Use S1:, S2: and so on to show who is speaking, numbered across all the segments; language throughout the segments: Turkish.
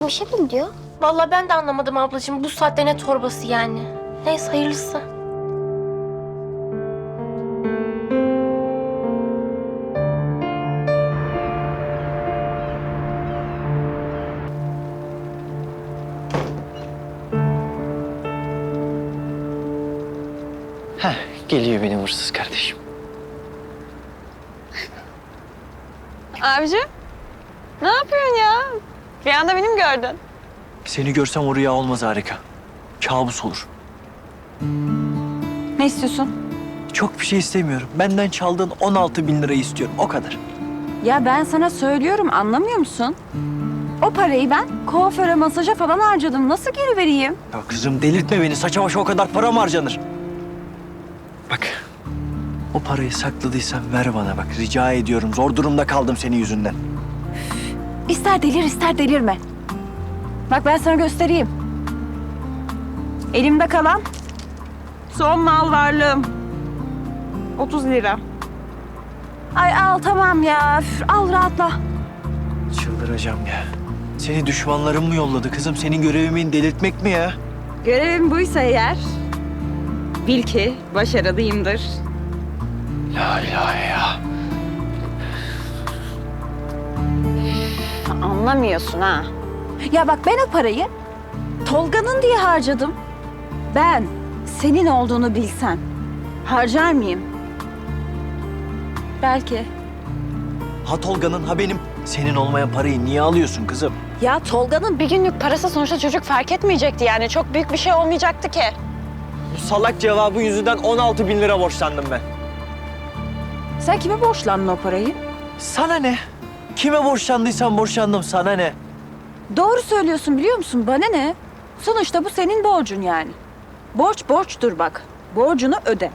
S1: Bir şey mi diyor?
S2: Vallahi ben de anlamadım ablacığım. Bu saatte ne torbası yani? Neyse hayırlısı.
S3: Heh, geliyor benim hırsız kardeşim.
S4: Abicim, ne yapıyorsun ya? Bir anda beni mi gördün?
S3: Seni görsem o rüya olmaz harika. Kabus olur.
S4: Ne istiyorsun?
S3: Çok bir şey istemiyorum. Benden çaldığın 16 bin lirayı istiyorum. O kadar.
S4: Ya ben sana söylüyorum, anlamıyor musun? O parayı ben kuaföre, masaja falan harcadım. Nasıl geri vereyim?
S3: Ya kızım delirtme beni. Saça başa o kadar para mı harcanır? Bak. O parayı sakladıysan ver bana bak. Rica ediyorum. Zor durumda kaldım senin yüzünden.
S4: İster delir, ister delirme. Bak ben sana göstereyim. Elimde kalan son mal varlığım. 30 lira. Ay al tamam ya. Üf, al rahatla.
S3: Çıldıracağım ya. Seni düşmanlarım mı yolladı kızım? Senin görevimin delirtmek mi ya?
S4: Görevim buysa eğer bil ki başarılıyımdır.
S3: La ilahe ya.
S4: Anlamıyorsun ha. Ya bak ben o parayı Tolga'nın diye harcadım. Ben senin olduğunu bilsem harcar mıyım? Belki.
S3: Ha Tolga'nın ha benim. Senin olmayan parayı niye alıyorsun kızım?
S4: Ya Tolga'nın bir günlük parası sonuçta çocuk fark etmeyecekti yani. Çok büyük bir şey olmayacaktı ki.
S3: Bu salak cevabı yüzünden 16 bin lira borçlandım ben.
S4: Sen kime borçlandın o parayı?
S3: Sana ne? Kime borçlandıysam borçlandım, sana ne?
S4: Doğru söylüyorsun biliyor musun? Bana ne? Sonuçta bu senin borcun yani. Borç borçtur bak. Borcunu öde.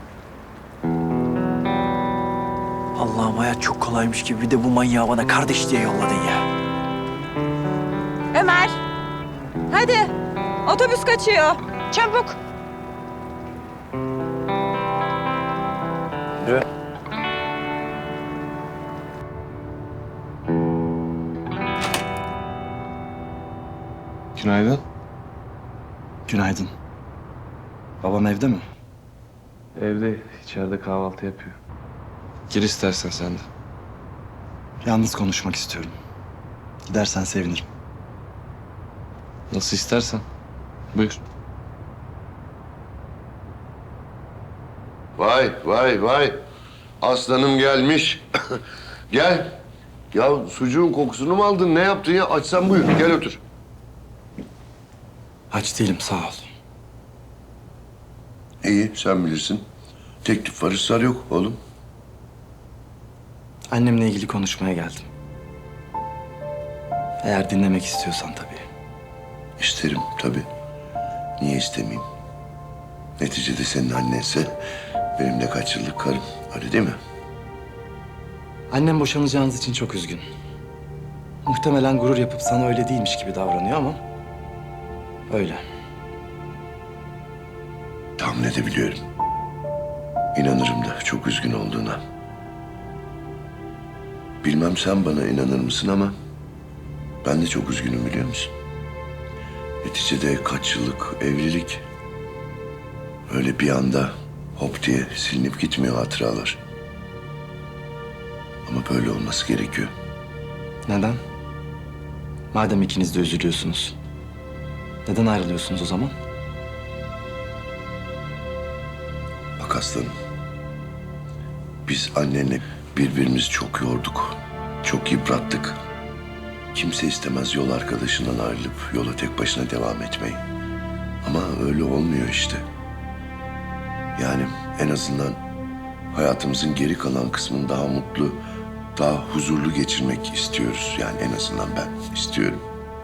S3: Allah'ım hayat çok kolaymış gibi bir de bu manyağı bana kardeş diye yolladın ya.
S4: Ömer. Hadi. Otobüs kaçıyor. Çabuk.
S3: Yürü.
S5: Günaydın.
S6: Günaydın. Babam evde mi?
S5: Evde, içeride kahvaltı yapıyor. Gir istersen sen de.
S6: Yalnız konuşmak istiyorum. Gidersen sevinirim.
S5: Nasıl istersen. Buyur.
S7: Vay vay vay. Aslanım gelmiş. Gel. Ya sucuğun kokusunu mu aldın? Ne yaptın ya? Açsan buyur. Gel otur.
S6: Aç değilim sağ ol.
S7: İyi sen bilirsin. Teklif var ısrar yok oğlum.
S6: Annemle ilgili konuşmaya geldim. Eğer dinlemek istiyorsan tabii.
S7: İsterim tabii. Niye istemeyeyim? Neticede senin annense benim de kaç yıllık karım. Öyle değil mi?
S6: Annem boşanacağınız için çok üzgün. Muhtemelen gurur yapıp sana öyle değilmiş gibi davranıyor ama... öyle.
S7: Tahmin edebiliyorum. İnanırım da çok üzgün olduğuna. Bilmem sen bana inanır mısın ama ben de çok üzgünüm biliyor musun? Neticede kaç yıllık evlilik öyle bir anda hop diye silinip gitmiyor hatıralar. Ama böyle olması gerekiyor.
S6: Neden? Madem ikiniz de üzülüyorsunuz. Neden ayrılıyorsunuz o zaman?
S7: Bak aslanım. Biz annenle birbirimizi çok yorduk. Çok yıprattık. Kimse istemez yol arkadaşından ayrılıp yola tek başına devam etmeyi. Ama öyle olmuyor işte. Yani en azından hayatımızın geri kalan kısmını daha mutlu, daha huzurlu geçirmek istiyoruz. Yani en azından ben istiyorum.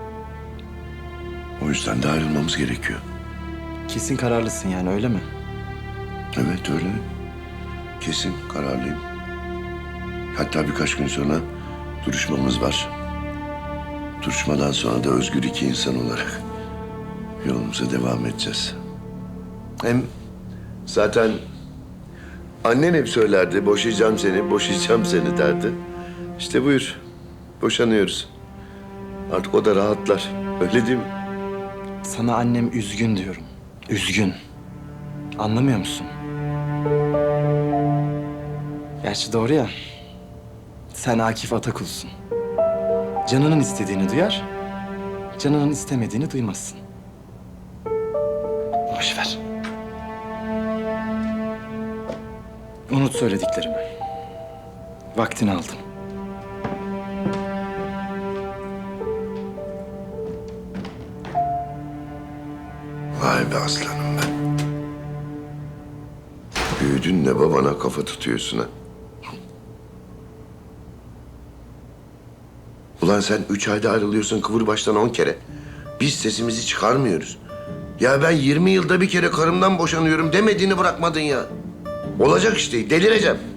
S7: O yüzden de ayrılmamız gerekiyor.
S6: Kesin kararlısın yani öyle mi?
S7: Evet öyle. Kesin kararlıyım. Hatta birkaç gün sonra duruşmamız var. Duruşmadan sonra da özgür iki insan olarak yolumuza devam edeceğiz. Hem zaten annen hep söylerdi, boşayacağım seni, boşayacağım seni derdi. İşte buyur, boşanıyoruz. Artık o da rahatlar. Öyle değil mi?
S6: Sana annem üzgün diyorum. Üzgün. Anlamıyor musun? Gerçi doğru ya. Sen Akif Atakul'sun. Canının istediğini duyar, canının istemediğini duymazsın. Boş ver. Unut söylediklerimi. Vaktini aldım.
S7: Vay be aslanım be. Büyüdün de babana kafa tutuyorsun ha. Ulan sen 3 ayda ayrılıyorsun Kıvırbaş'tan 10 kere. Biz sesimizi çıkarmıyoruz. Ya ben 20 yılda bir kere karımdan boşanıyorum demediğini bırakmadın ya. Olacak işte, delireceğim.